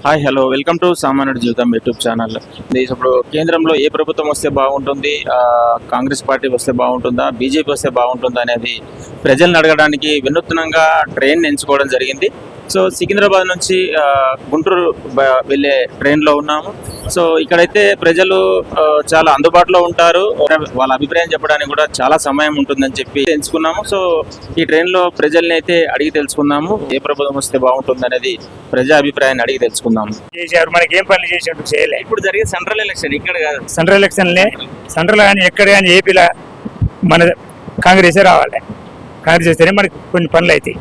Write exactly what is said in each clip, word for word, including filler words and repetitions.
Hi hello welcome to సామాన్యుడి జీవితం YouTube channel. ఇప్పుడు కేంద్రంలో ఏ ప్రభుత్వం వస్తే బాగుంటుంది, కాంగ్రెస్ పార్టీ వస్తే బాగుంటుందా, బీజేపీ వస్తే బాగుంటుందా అనేది ప్రజలను అడగడానికి వినూత్నంగా ట్రైన్ ఎంచుకోవడం జరిగింది. సో సికింద్రాబాద్ నుంచి గుంటూరు వెళ్ళే ట్రైన్లో ఉన్నాము. సో ఇక్కడైతే ప్రజలు చాలా అందుబాటులో ఉంటారు, వాళ్ళ అభిప్రాయం చెప్పడానికి కూడా చాలా సమయం ఉంటుందని చెప్పి ఎంచుకున్నాము. సో ఈ ట్రైన్లో ప్రజల్ని అయితే అడిగి తెలుసుకుందాము, ఏ ప్రభుత్వం వస్తే బాగుంటుంది అనేది ప్రజా అభిప్రాయాన్ని అడిగి తెలుసుకుందాము. చేశారు మనకి ఏం పనులు చేసినట్టు చేయలే. ఇప్పుడు జరిగే సెంట్రల్ ఎలక్షన్ ఇక్కడ కాదు, సెంట్రల్ ఎలక్షన్లే సెంట్రల్ కానీ ఎక్కడ కానీ ఏపీలో మన కాంగ్రెసే రావాలి. కాంగ్రెస్ వస్తేనే మనకి కొన్ని పనులు అవుతాయి,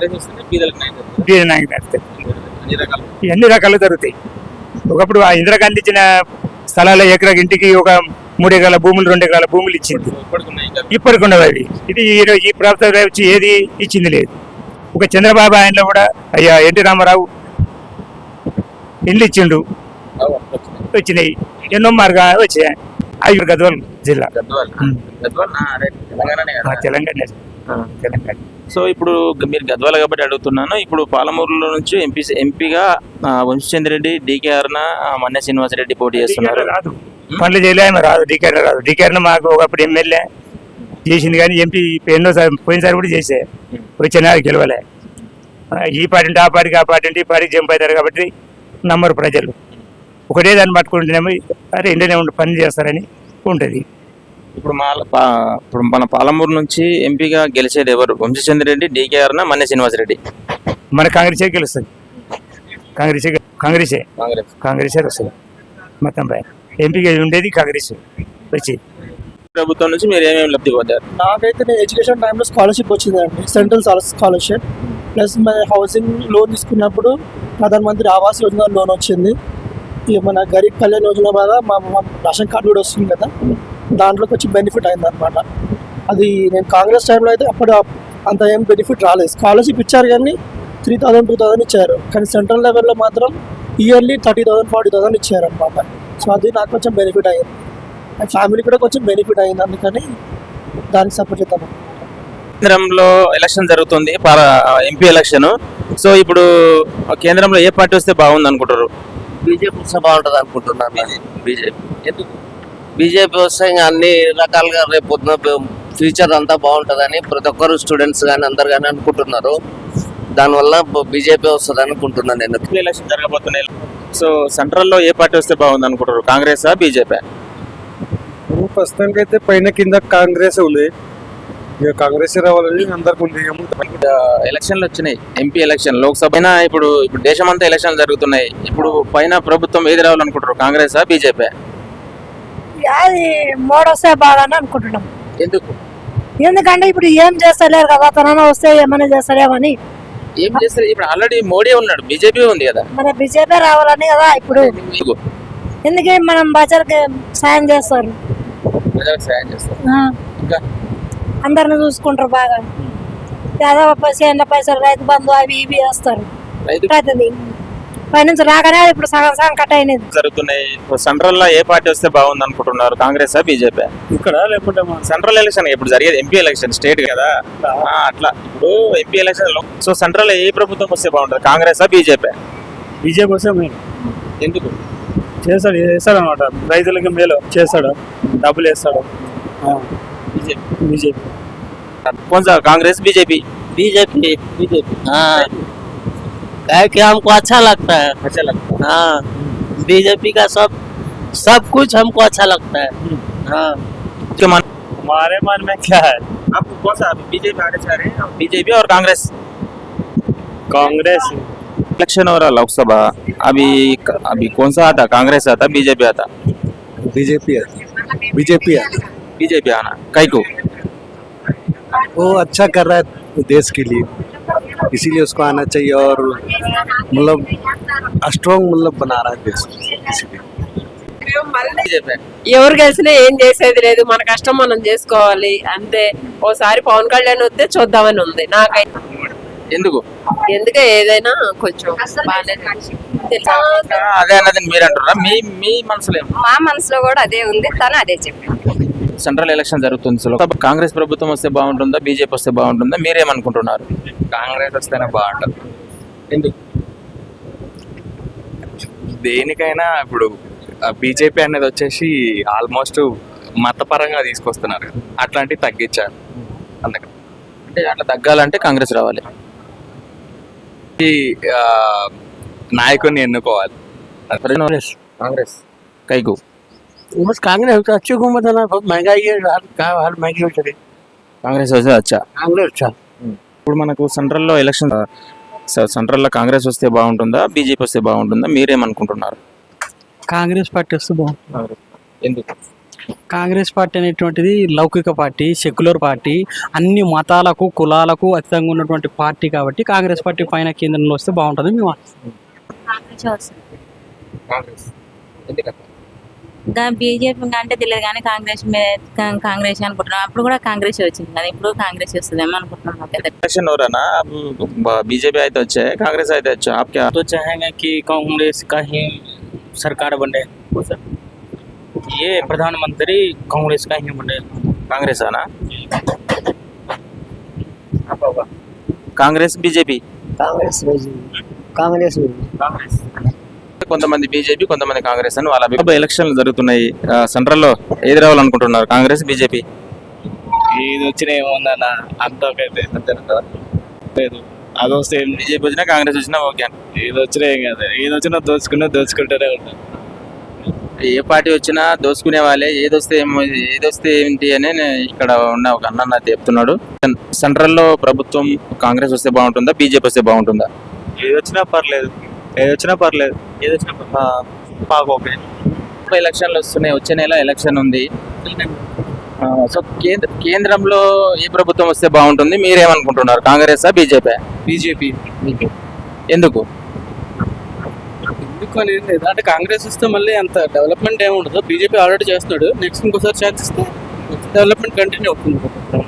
అన్ని రకాలు జరుగుతాయి. ఒకప్పుడు ఆ ఇందిరాగాంధీ ఇచ్చిన స్థలాల ఎకరా ఇంటికి ఒక మూడు ఎకరాల భూములు రెండు ఎకరాల భూములు ఇచ్చింది, ఇప్పటికి ఉండవు అవి. ఇది ఈ ప్రభుత్వం వచ్చి ఏది ఇచ్చింది లేదు. ఒక చంద్రబాబు ఆయనలో కూడా అయ్యా ఎన్టీ రామారావు ఇండ్లు ఇచ్చిండు, వచ్చినాయి ఎన్నో మార్గా వచ్చాయి. అవి గద్వాల్ జిల్లా, తెలంగాణ తెలంగాణ. సో ఇప్పుడు మీరు గద్వాల కాబట్టి అడుగుతున్నాను. ఇప్పుడు పాలమూరులో నుంచి ఎంపీ ఎంపీగా వంశీచంద్ర రెడ్డి, డీకే అరుణ, మన్నె శ్రీనివాసరెడ్డి పోటీ చేస్తున్నారు. రాదు పనులు చేయలే, ఆమె రాదు. డీకే రాదు. డీకే అరుణ మాకు ఒకప్పుడు ఎమ్మెల్యే చేసింది, కానీ ఎంపీ ఎన్నోసారి పోయినసారి కూడా చేసే వచ్చినా గెలవలే. ఈ పార్టీ అంటే ఆ పార్టీకి, ఆ పార్టీ అంటే ఈ పార్టీకి జంప్ అవుతారు కాబట్టి నమ్మరు ప్రజలు. ఒకటే దాన్ని పట్టుకుంటేనేమో అరే ఇండియనే ఉండి పని చేస్తారని ఉంటుంది. ఇప్పుడు మా ఇప్పుడు మన పాలమూరు నుంచి ఎంపీగా గెలిచేది ఎవరు? వంశీచంద్ర రెడ్డి, డీకే అరుణ, మన్నె శ్రీనివాసరెడ్డి. మన కాంగ్రెసే గెలుస్తుంది. కాంగ్రెసే కాంగ్రెసే కాంగ్రెసే వస్తుంది మొత్తం పై. ఎంపీగా ఉండేది కాంగ్రెస్ వచ్చేది. ప్రభుత్వం నుంచి మీరు ఏమేమి లబ్ధి పొందారు? నాకైతే నేను ఎడ్యుకేషన్ టైంలో స్కాలర్షిప్ వచ్చిందండి, సెంట్రల్ స్కాలర్షిప్. ప్లస్ మన హౌసింగ్ లోన్ తీసుకున్నప్పుడు ప్రధానమంత్రి ఆవాస్ యోజన లోన్ వచ్చింది. ఇక మన గరీబ్ కళ్యాణ్ యోజన ద్వారా మా రేషన్ కార్డు కూడా వస్తుంది కదా, దాంట్లోకి వచ్చి బెనిఫిట్ అయింది అనమాట. అది నేను కాంగ్రెస్ టైంలో అయితే అప్పుడు అంత ఏం బెనిఫిట్ రాలేదు. స్కాలర్షిప్ ఇచ్చారు కానీ త్రీ థౌసండ్ టూ థౌసండ్ ఇచ్చారు, కానీ సెంట్రల్ లెవెల్లో మాత్రం yearly thirty thousand forty thousand ఇచ్చారు అనమాట. సో అది నాకు కొంచెం బెనిఫిట్ అయ్యింది, అండ్ ఫ్యామిలీ కూడా కొంచెం బెనిఫిట్ అయింది. అందుకని దానికి సపోర్ట్ చేద్దాం. కేంద్రంలో ఎలక్షన్ జరుగుతుంది, ఎంపీ ఎలక్షన్. సో ఇప్పుడు కేంద్రంలో ఏ పార్టీ వస్తే బాగుంది అనుకుంటారు? బీజేపీ వస్తే బాగుంటుంది అనుకుంటున్నాను. బీజేపీ ఎందుకు? బీజేపీ వస్తే ఇంకా అన్ని రకాలుగా రేపు పొద్దున ఫ్యూచర్ అంతా బాగుంటుందని ప్రతి ఒక్కరు స్టూడెంట్స్ కానీ అందరు కానీ అనుకుంటున్నారు. దానివల్ల బీజేపీ వస్తుంది అనుకుంటున్నాను నేను. ఎలక్షన్ జరగబోతున్నాయి. సో సెంట్రల్లో ఏ పార్టీ వస్తే బాగుంది అనుకుంటారు? కాంగ్రెసా, బీజేపీ? ప్రస్తుతానికి అయితే పైన కింద కాంగ్రెస్ ఉంది, ఇక కాంగ్రెస్ రావాలని అందరికి ఉంది. ఎలక్షన్లు వచ్చినాయి, ఎంపీ ఎలక్షన్, లోక్సభ. ఇప్పుడు ఇప్పుడు దేశమంతా ఎలక్షన్లు జరుగుతున్నాయి. ఇప్పుడు పైన ప్రభుత్వం ఏది రావాలనుకుంటారు? కాంగ్రెసా, బీజేపీ? అది మోడీ వస్తే బాగానే అనుకుంటున్నాం. ఎందుకు? ఎందుకంటే ఇప్పుడు ఏం చేస్తలేరు కదా, తన వస్తే ఏమైనా చేస్తలేమని. ఏం చేస్తారు? ఇప్పుడు ఆల్రెడీ మోడీ ఉన్నాడు, బీజేపీ ఉంది కదా. మన బీజేపీ రావాలని కదా ఇప్పుడు. ఎందుకే మనం బజార్కి సాయం చేస్తారు, సాయం చేస్తారు, అందరిని చూసుకుంటారు బాగా. యాదవ పైసలు పైసలు రైతు బంధు అవి ఇవి వేస్తారు. పైనుంచి రాగానే ఇప్పుడు సగం సగం కట్ అయినది జరుగుతున్నాయి. సెంట్రల్ లో ఏ పార్టీ వస్తే బాగుంది అనుకుంటున్నారు? కాంగ్రెసా, బీజేపీ? ఇక్కడ లేకుంటే సెంట్రల్ ఎలక్షన్ ఇప్పుడు జరిగేది ఎంపీ ఎలక్షన్, స్టేట్ కదా అట్లా. ఇప్పుడు ఎంపీ ఎలక్షన్ లో సో సెంట్రల్ ఏ ప్రభుత్వం వస్తే బాగుంటుంది? కాంగ్రెసా, బీజేపీ? బీజేపీ వస్తే మేము ఎందుకు? చేస్తాడు చేస్తాడు అనమాట, రైతులకి మేలు చేస్తాడు, డబ్బులు వేస్తాడు. బీజేపీ బీజేపీ कौन सा? कांग्रेस, बीजेपी? बीजेपी बीजेपी हाँ, क्या कि हमको अच्छा लगता है. अच्छा लगता है. हाँ, बीजेपी का सब सब कुछ हमको अच्छा लगता है. हाँ, क्या मान हमारे मन में क्या है? आपको कौन सा? बीजेपी आगे चाह रहे हैं, बीजेपी और कांग्रेस? कांग्रेस इलेक्शन हो रहा लोकसभा, अभी अभी कौन सा आता? कांग्रेस आता, बीजेपी आता? बीजेपी आती, बीजेपी आती, बीजेपी आना कई को वो अच्छा कर रहा है देश के लिए, इसीलिए उसको आना चाहिए. और मतलब स्ट्रॉन्ग मतलब बना रहा है देश को, इसीलिए. ఎవరు గెలిచినా ఏం చేసేది లేదు, మన కష్టం మనం చేసుకోవాలి అంతే. ఓసారి పవన్ కళ్యాణ్ వస్తే చూద్దామని ఉంది నాకైతే. ఎందుకు? ఎందుకు ఏదైనా కొంచెం అదే అన్నది మీరు అంటారా? మీ మీ మనసులో? మా మనసులో కూడా అదే ఉంది, తను అదే చెప్పారు. సెంట్రల్ ఎలక్షన్ జరుగుతుంది. సో కాంగ్రెస్ ప్రభుత్వం వస్తే బాగుంటుందా, బీజేపీ వస్తే బాగుంటుందా? మీరేమనుకుంటున్నారు? కాంగ్రెస్ వస్తేనే బాగుంటుంది. ఎందుకు? దేనికైనా ఇప్పుడు బీజేపీ అనేది వచ్చేసి ఆల్మోస్ట్ మతపరంగా తీసుకొస్తున్నారు కదా, అట్లాంటివి తగ్గించాలి అందుకని అంటే అట్లా తగ్గాలంటే కాంగ్రెస్ రావాలి. ఈ ఆ, నాయకుడిని ఎన్నుకోవాలి. కాంగ్రెస్ కాంగ్రెస్ కైకు बस कांग्रेस तो अच्छी हुकूमत है ना, बहुत महंगाई है, हर का हर महंगी हो चली। కాంగ్రెస్ వస్తే వచ్చా. कांग्रेस अच्छा ఇప్పుడు మనకు సెంట్రల్లో ఎలక్షన్ సెంట్రల్లో కాంగ్రెస్ వస్తే బాగుంటుందా బీజేపీ వస్తే బాగుంటుందా మీరేమనుకుంటున్నారు? కాంగ్రెస్ పార్టీ వస్తే బాగుంటుంది. ఎందుకు? కాంగ్రెస్ పార్టీ అనేటువంటిది లౌకిక పార్టీ, సెక్యులర్ పార్టీ, అన్ని మతాలకు కులాలకు అతీతంగా ఉన్నటువంటి పార్టీ కాబట్టి కాంగ్రెస్ పార్టీ పైన కేంద్రంలో వస్తే బాగుంటుంది. మేము కాంగ్రెస్ ఎందుకంటే ఇంకా బీజేపీ అంటే తెలియదు కానీ కాంగ్రెస్ మీద- కా- కాంగ్రెస్ అనుకుంటున్నాం. అప్పుడు కూడా కాంగ్రెస్ వచ్చింది కదా, ఇప్పుడు కాంగ్రెస్ వస్తుందేమో అనుకుంటున్నాం. నాకైతే इलेक्शन हो रहा ना, अब बीजेपी आए तो अच्छा है, कांग्रेस आए तो अच्छा है. आप क्या? तो चाहेंगे कि कांग्रेस का ही सरकार बने, ये प्रधानमंत्री कांग्रेस का ही बने. कांग्रेस आना కాంగ్రెస్ బీజేపీ కాంగ్రెస్ కాంగ్రెస్ కాంగ్రెస్ కొంతమంది బీజేపీ కొంతమంది కాంగ్రెస్ అని వాళ్ళ అభిప్రాయం. ఎలక్షన్లు జరుగుతున్నాయి, ఆ, సెంట్రల్లో ఏది రావాలనుకుంటున్నారు, కాంగ్రెస్ బీజేపీ? ఇది వచ్చినా ఏముందన్న అంతకైతే లేదు, అది వస్తే బీజేపీ వచ్చినా కాంగ్రెస్ వచ్చినా ఓకే. ఇది వచ్చినా ఏం కాదు, ఏది వచ్చినా దోచుకున్నా దోచుకుంటూనే ఉంటాం. ఏ పార్టీ వచ్చినా దోసుకునే వాళ్ళే, ఏది వస్తే ఏమో ఏది వస్తే ఏంటి అని నేను ఇక్కడ ఉన్న ఒక అన్న నాకు చెప్తున్నాడు. సెంట్రల్లో ప్రభుత్వం కాంగ్రెస్ వస్తే బాగుంటుందా బీజేపీ వస్తే బాగుంటుందా? ఏది వచ్చినా పర్లేదు, ఏది వచ్చినా పర్లేదు, ఏది వచ్చినా మాకు ఓకే. ఎలక్షన్లు వస్తున్నాయి, వచ్చే నెల ఎలక్షన్ ఉంది. ఆ, సో కేంద్ర కేంద్రంలో ఏ ప్రభుత్వం వస్తే బాగుంటుంది మీరేమనుకుంటున్నారు, కాంగ్రెస్ బీజేపీ? బీజేపీ ఎందుకు? ఎందుకు అనేది లేదు, అంటే కాంగ్రెస్ వస్తే మళ్ళీ అంత డెవలప్మెంట్ ఏమి ఉండదు. బీజేపీ ఆల్రెడీ చేస్తున్నాడు, నెక్స్ట్ ఇంకోసారి ఛాన్స్ ఇస్తే డెవలప్మెంట్ కంటిన్యూ అవుతుంది.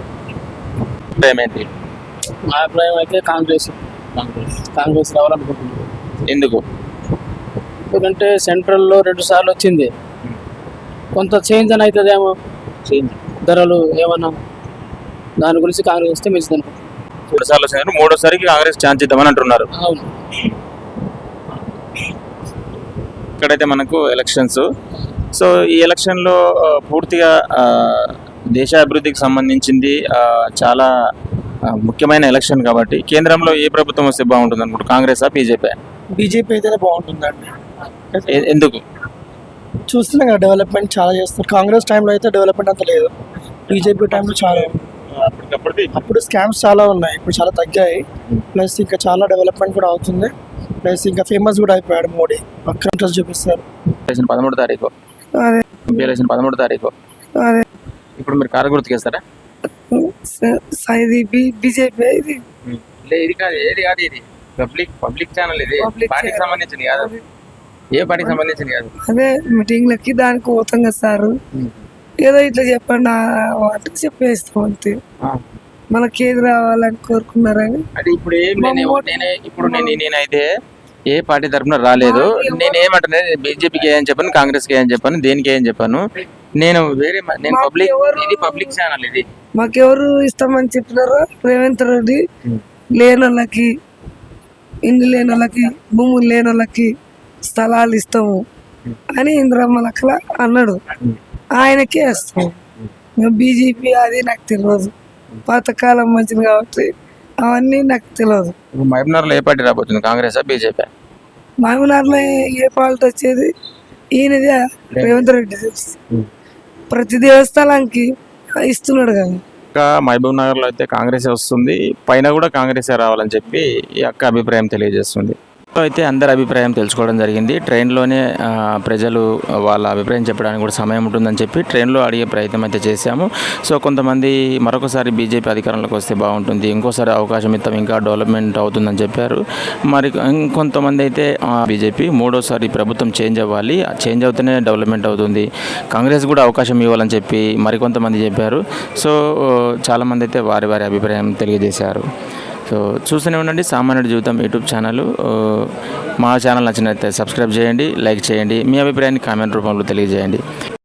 ఏంటి మా అభిప్రాయం అయితే కాంగ్రెస్ కాంగ్రెస్ రావాలనుకుంటున్నాను. ఎందుకు? ఎందుకంటే సెంట్రల్లో రెండు సార్లు వచ్చింది, కొంత చేంజ్ అని అవుతుందేమో, ధరలు ఏమన్నా, దాని గురించి కాంగ్రెస్ వస్తే మంచిది అనుకుంటున్నాను. రెండు సార్లు వచ్చినారు, మూడోసారికి కాంగ్రెస్ ఛాన్స్ ఇద్దామని అంటున్నారు. అవును. ఇక్కడైతే మనకు ఎలక్షన్స్. సో ఈ ఎలక్షన్లో ఆ, పూర్తిగా ఆ, దేశ అభివృద్ధికి సంబంధించింది, ఆ, చాలా ఆ, ముఖ్యమైన ఎలక్షన్ కాబట్టి కేంద్రంలో ఏ ప్రభుత్వం వస్తే బాగుంటుంది అనుకుంటు, కాంగ్రెసా బీజేపీ? బీజేపీ అయితేనే బాగుంటుందండి. ఎ- ఎందుకు? చూస్తున్నాం కదా డెవలప్మెంట్ చాలా చేస్తారు. కాంగ్రెస్ టైంలో అయితే డెవలప్మెంట్ అంత లేదు, బీజేపీ టైంలో చాలా ఉంది. అప్పుడు స్కామ్స్ చాలా ఉన్నాయి, ఇప్పుడు చాలా తగ్గాయి. ప్లస్ ఇంకా చాలా డెవలప్మెంట్ కూడా అవుతుంది. ప్లస్ ఇంకా ఫేమస్ కూడా అయిపోయాడు మోడీ, పక్కన ఇంట్రెస్ట్ చూపిస్తారు. ఎలక్షన్ పదమూడు తారీఖు అదే ఎంపీ ఎలక్షన్ పదమూడు తారీఖు అదే ఇప్పుడు మీరు కారు గుర్తుకేస్తారా? ఇది బీజేపీ ఇది లే, ఇది కాదు, ఏది కాదు, ఇది పబ్లిక్ పబ్లిక్ ఛానల్, ఇది Public పార్టీకి channel. సంబంధించింది కాదు, ఏ పార్టీకి సంబంధించింది కాదు. అదే మీటింగ్లకి దానికి పోతాం కదా సార్, ఏదో ఇట్లా చెప్పండి వాటికి చెప్పేస్తాం అంతే. మనకి ఏది రావాలని కోరుకున్నారని అంటే ఇప్పుడు ఏం నేను నేనే ఇప్పుడు నేను నేనైతే ఏ పార్టీ తరఫున రాలేదు. నేనేమంటున్నా, బీజేపీకి ఏం చెప్పాను, కాంగ్రెస్కి ఏం చెప్పాను, దేనికి ఏం చెప్పాను. నేను వేరే మ- నేను పబ్లిక్, ఇది పబ్లిక్ ఛానల్, ఇది మాకెవరు ఇస్తామని చెప్పినారో రేవంత్ రెడ్డి లేని వాళ్ళకి, ఇండ్లు లేని వాళ్ళకి, భూములు లేని వాళ్ళకి స్థలాలు ఇస్తాము అని ఇంద్రమ్మ లెక్కల అన్నాడు, ఆయనకే ఇస్తాము. బీజేపీ అది నాకు తెలియదు, పాతకాలం మంచిది కాబట్టి అవన్నీ నాకు తెలియదు. ఇప్పుడు మహబూబ్నగర్లో ఏ పార్టీ రాబోతుంది, కాంగ్రెసా బీజేపీ? మహబూబ్నగర్లో ఏ పాలిటీ వచ్చేది ఈయనదే, రేవంత్ రెడ్డి. ప్రతి దేవస్థానానికి ఇస్తున్నాడు కదా. ఇంకా మహబూబ్ నగర్లో అయితే కాంగ్రెసే వస్తుంది, పైన కూడా కాంగ్రెసే రావాలని చెప్పి ఈ అక్క అభిప్రాయం తెలియజేస్తుంది. సో అయితే అందరి అభిప్రాయం తెలుసుకోవడం జరిగింది. ట్రైన్లోనే ఆ, ప్రజలు వాళ్ళ అభిప్రాయం చెప్పడానికి కూడా సమయం ఉంటుందని చెప్పి ట్రైన్లో అడిగే ప్రయత్నం అయితే చేశాము. సో కొంతమంది మరొకసారి బీజేపీ అధికారంలోకి వస్తే బాగుంటుంది, ఇంకోసారి అవకాశం ఇస్తాం, ఇంకా డెవలప్మెంట్ అవుతుందని చెప్పారు. మరి ఇంకొంతమంది అయితే బీజేపీ మూడోసారి ప్రభుత్వం చేంజ్ అవ్వాలి, చేంజ్ అవుతూనే డెవలప్మెంట్ అవుతుంది, కాంగ్రెస్ కూడా అవకాశం ఇవ్వాలని చెప్పి మరికొంతమంది చెప్పారు. సో చాలామంది అయితే వారి వారి అభిప్రాయం తెలియజేశారు. సో చూస్తూనే ఉండండి సామాన్యుడి జీవితం యూట్యూబ్ ఛానల్. మా ఛానల్ నచ్చినట్లయితే సబ్స్క్రైబ్ చేయండి, లైక్ చేయండి, మీ అభిప్రాయాన్ని కామెంట్ రూపంలో తెలియజేయండి.